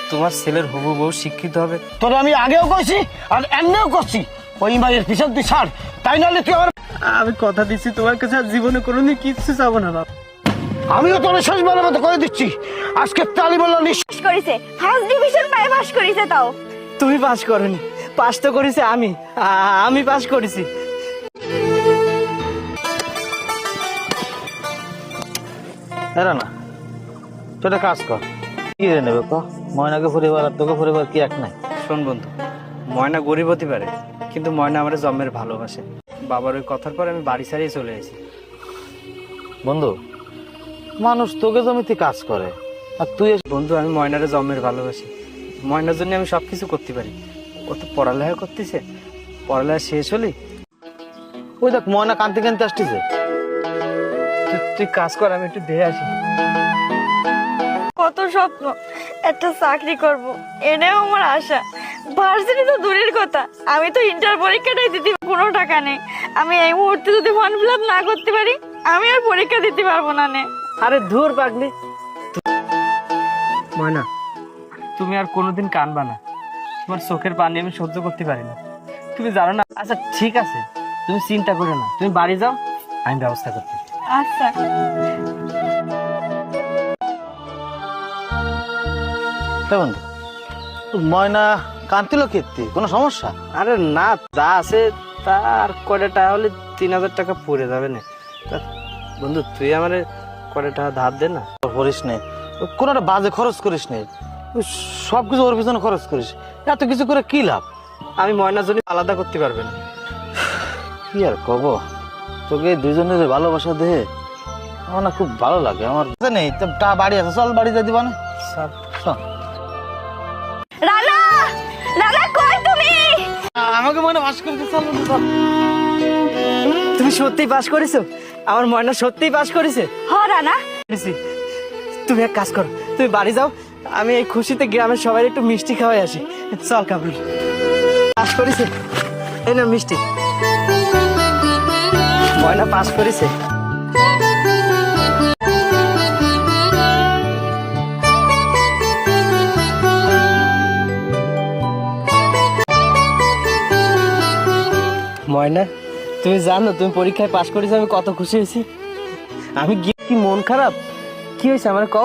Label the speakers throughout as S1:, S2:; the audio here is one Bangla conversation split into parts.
S1: তোমার ছেলের হবু বউ শিক্ষিত হবে।
S2: তোরে আমি আগেও কইছি আর এমনিও করছি, ওই মায়ের পিছন তুই ছাড়, তাই নাহলে তুই আমার।
S1: আমি কথা দিচ্ছি তোমার কাছে আর জীবনে কোনোদিন কিচ্ছু চাবো না বাবা।
S2: আমিও তোর শেষবারের মতো করে দিচ্ছি, আজকে তালি বললো নিশ্চয়
S3: করেছে, ফার্স্ট ডিভিশন পায় পাস করেছে। তাও
S1: তুমি পাস করনি, পাস তো করেছে আমি পাস করেছি।
S4: এরা না তুই একটা কাজ কর, কি রে নেবে ক? ময়নাকে পরিবার আর তোকে পরিবার কি এক নাই?
S1: শোন বন্ধু, ময়না গরিব হতে পারে, কিন্তু ময়না আমার জন্মের ভালোবাসে। বাবার ওই কথার পর আমি বাড়ি ছাড়িয়ে চলে এসেছি।
S4: বন্ধু, মানুষ তোকে জমিতে কাজ করে আর তুই
S1: বন্ধু, আমি ময়নারে জন্মের ভালোবাসি, ময়নার জন্য আমি সবকিছু করতে পারি। ও তো পড়ালেখা করতেছে, পড়ালেখা শেষ হলি
S4: ওই দেখ ময়না কানতে কানতে আসতেছে।
S1: তুই কাজ কর, আমি একটু দেখে আসি।
S3: কত স্বপ্ন একটা চাকরি করব, এটাও আমার আশা। ভার্সিটি তো দূরের কথা, আমি তো ইন্টার পরীক্ষাটাই দিতে কোনো টাকা নেই। আমি এই মুহূর্তে যদি ফর্ম ফিল আপ না করতে পারি, আমি আর পরীক্ষা দিতে পারবো না নে।
S1: আরে ধুর পাগলি, ময়না তুমি আর কোনোদিন কানবা না। তোমার চোখের পানি আমি সহ্য করতে পারি না, তুমি জানো না। আচ্ছা ঠিক আছে, তুমি চিন্তা করো না, তুমি বাড়ি যাও, আমি ব্যবস্থা করছি।
S3: আচ্ছা
S4: বন্ধু, ময়না কান্তিল কীর্তি, কোনো সমস্যা?
S1: আরে না, যা আছে তা আর কয়টা টাকা হলে 3000 টাকা পড়ে যাবে না। তা বন্ধু তুই আমার কয়টা টাকা ধার দে না।
S4: করিস নে, কোনো একটা বাজে খরচ করিস নে, সবকিছু ওর পিছনে খরচ করিস, এত কিছু করে কি লাভ?
S1: আমি ময়নার জন্য আলাদা করতে পারবে না।
S4: কি আর কব, তোকে দুজনের ভালোবাসা দেহে আমার না খুব ভালো লাগে। আমার নেই তা বাড়ি আছে, চল বাড়ি যাই দিবা না। চল।
S3: রানা, রানা কই তুমি?
S1: আমাকে ময়না পাস করেছে, চল বন্ধু চল। তুমি সত্যিই পাস করেছো? আমার ময়না সত্যিই পাস করেছে?
S3: হ রানা,
S1: তুমি এক কাজ করো, তুমি বাড়ি যাও, আমি এই খুশিতে গ্রামের সবাই একটু মিষ্টি খাওয়াই আসি। চল কাবুল, পাস করেছে, এই না মিষ্টি। ময়না পাস করেছে। ময়না তুমি জানো তুমি পরীক্ষায় পাস করেছো, আমি কত খুশি হয়েছি। আমি গিয়ে কি মন খারাপ, কি হয়েছে আমার কও?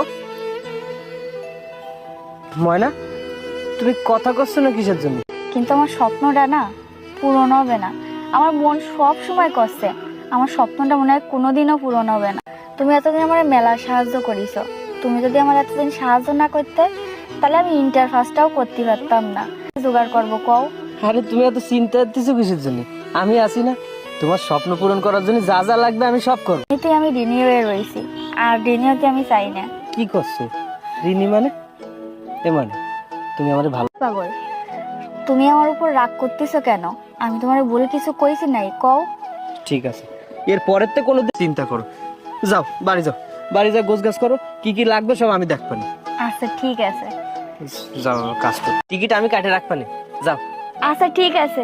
S1: ময়না তুমি কথা করছো না কিসের জন্য?
S3: কিন্তু আমার স্বপ্নটা না পূরণ হবে না। আমার মন সব সময় করছে আমার স্বপ্নটা মনে হয় কোনোদিনও পূরণ হবে না। তুমি এতদিন আমার মেলা সাহায্য করিছো, তুমি যদি আমার এতদিন সাহায্য না করতে, তাহলে আমি ইন্টার ফার্স্টটাও করতে পারতাম না। জোগাড় করবো কও?
S1: আরে তুমি এত চিন্তা দিচ্ছ কিসের জন্য? আমি আছি না, তোমার স্বপ্ন পূরণ করার জন্য যা যা লাগবে আমি সব করবো।
S3: এতে আমি ঋণী হয়ে রয়েছি, আর ঋণীকে আমি চাই না।
S1: কি করছো রিনি? মানে এ মানে তুমি আমার ভালো
S3: পাগল, তুমি আমার উপর রাগ করতেছো কেন? আমি তোমার ভুল কিছু কইছি নাই, কও?
S1: ঠিক আছে, এর পরের তো কোনো চিন্তা করো। যাও বাড়ি যাও, বাড়ি যাও গোছ গাছ করো, কি কি লাগবে সব আমি দেখবানি।
S3: আচ্ছা ঠিক আছে।
S1: যাও কাজ করো, টিকিট আমি কাটে রাখবানি, যাও।
S3: আচ্ছা ঠিক আছে।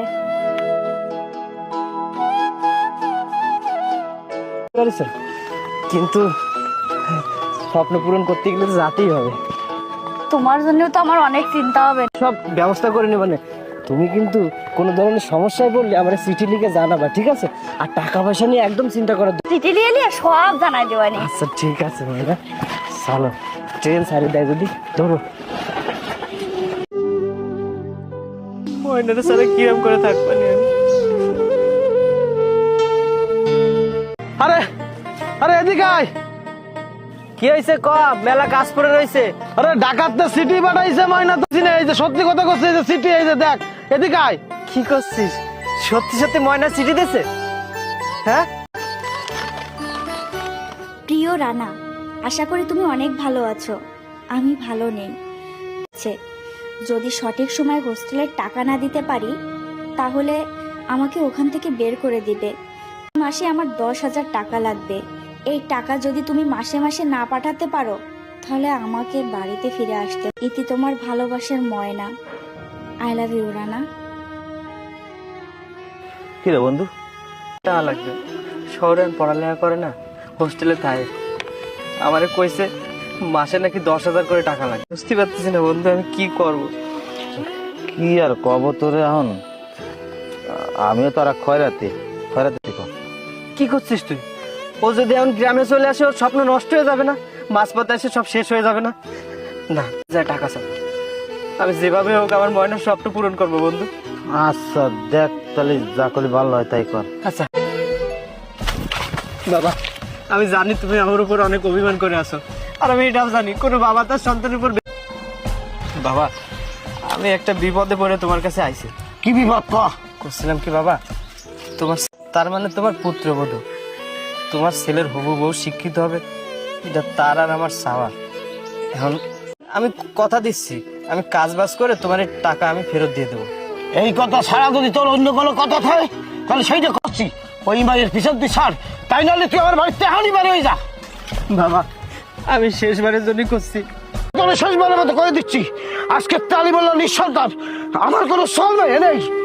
S1: কিন্তু স্বপ্ন পূরণ করতে গেলে তো যেতেই হবে।
S3: তোমার জন্য তো আমার অনেক চিন্তা হবে।
S1: সব ব্যবস্থা করে নেবে না। তুমি কিন্তু কোনো ধরনের সমস্যায় পড়লে আমার চিঠি লিখে জানাবা, ঠিক আছে? আর টাকা পয়সা নিয়ে একদম চিন্তা করার
S3: চিঠি নিয়ে সব জানাই দেওয়ানি।
S1: আচ্ছা ঠিক আছে ভাইরা, চলো ট্রেন ছাড়ি দেয় যদি ধরো। ময়নারে সারা কিরম করে থাকবানি আমি।
S4: আরে আরে এদিকে আয়।
S1: কি হয়েছে ক? মেলা কাজ পড়ে রয়েছে।
S4: আরে ডাকাত তো সিটি বানাইছে, ময়না তো চিনে, এই যে সত্যি কথা করছে, এই যে সিটি, এই যে দেখ, এদিকে আয়।
S1: কি করছিস? সত্যি সত্যি ময়না চিঠি দিছে? হ্যাঁ
S3: প্রিয় রানা, আশা করি তুমি অনেক ভালো আছো। আমি ভালো নেই। যদি সঠিক সময় হোস্টেলের টাকা না দিতে পারি, তাহলে আমাকে ওখান থেকে বের করে দিবে। মাসে আমার 10,000 টাকা লাগবে। এই টাকা যদি তুমি মাসে মাসে না পাঠাতে পারো, তাহলে আমাকে বাড়িতে ফিরে আসতে। ইতি তোমার ভালোবাসার Moyna. I love you Rana.
S4: কি রে বন্ধু?
S1: টাকা লাগবে, শহরে পড়ালেখা করে না, হোস্টেলে থাকে। আমারে কইছে মাসে নাকি 10,000 করে টাকা লাগে। বুঝতে পারতেছি না বন্ধু আমি কি করব।
S4: কি আর কব তোরে এখন, আমিও তো আর খয়রাতি কর।
S1: কি করছিস তুই? ও যদি এখন গ্রামে চলে আসে ওর স্বপ্ন নষ্ট হয়ে যাবে না? মাঝপথে এসে সব শেষ হয়ে যাবে না? না, যা টাকা চাই, আমি যেভাবে হোক আমার ময়নার স্বপ্ন পূরণ করবো বন্ধু।
S4: আচ্ছা দেখ তাহলে যা করলে ভালো হয় তাই কর।
S1: আচ্ছা বাবা, আমি জানি তুমি আমার উপর অনেক অভিমান করে আছো, আর আমি এটাও জানি কোনো বাবা তার সন্তানের উপর বাবা, আমি একটা বিপদে পড়ে তোমার কাছে আইছি।
S2: কি বিপদ ক?
S1: করছিলাম কি বাবা, তোমার তার মানে তোমার পুত্রবধূ, তোমার ছেলের হবু বউ শিক্ষিত হবে, এটা তার আর আমার চাওয়া। এখন আমি কথা দিচ্ছি, আমি কাজ বাজ করে তোমার এই টাকা আমি ফেরত দিয়ে দেবো।
S2: এই কথা ছাড়া যদি তোর অন্য কোনো কথা থাকে তাহলে সেইটা করছি, ওই মায়ের পিছন তুই ছাড়, তাই নাহলে তুই আমার বাড়িতে হানি বাড়ি হয়ে যা।
S1: বাবা আমি শেষবারের জন্য করছি।
S2: তোর শেষবারের মতো করে দিচ্ছি, আজকে তালিবুল্লাহ নিঃসন্তান, আমার কোনো চল নেই।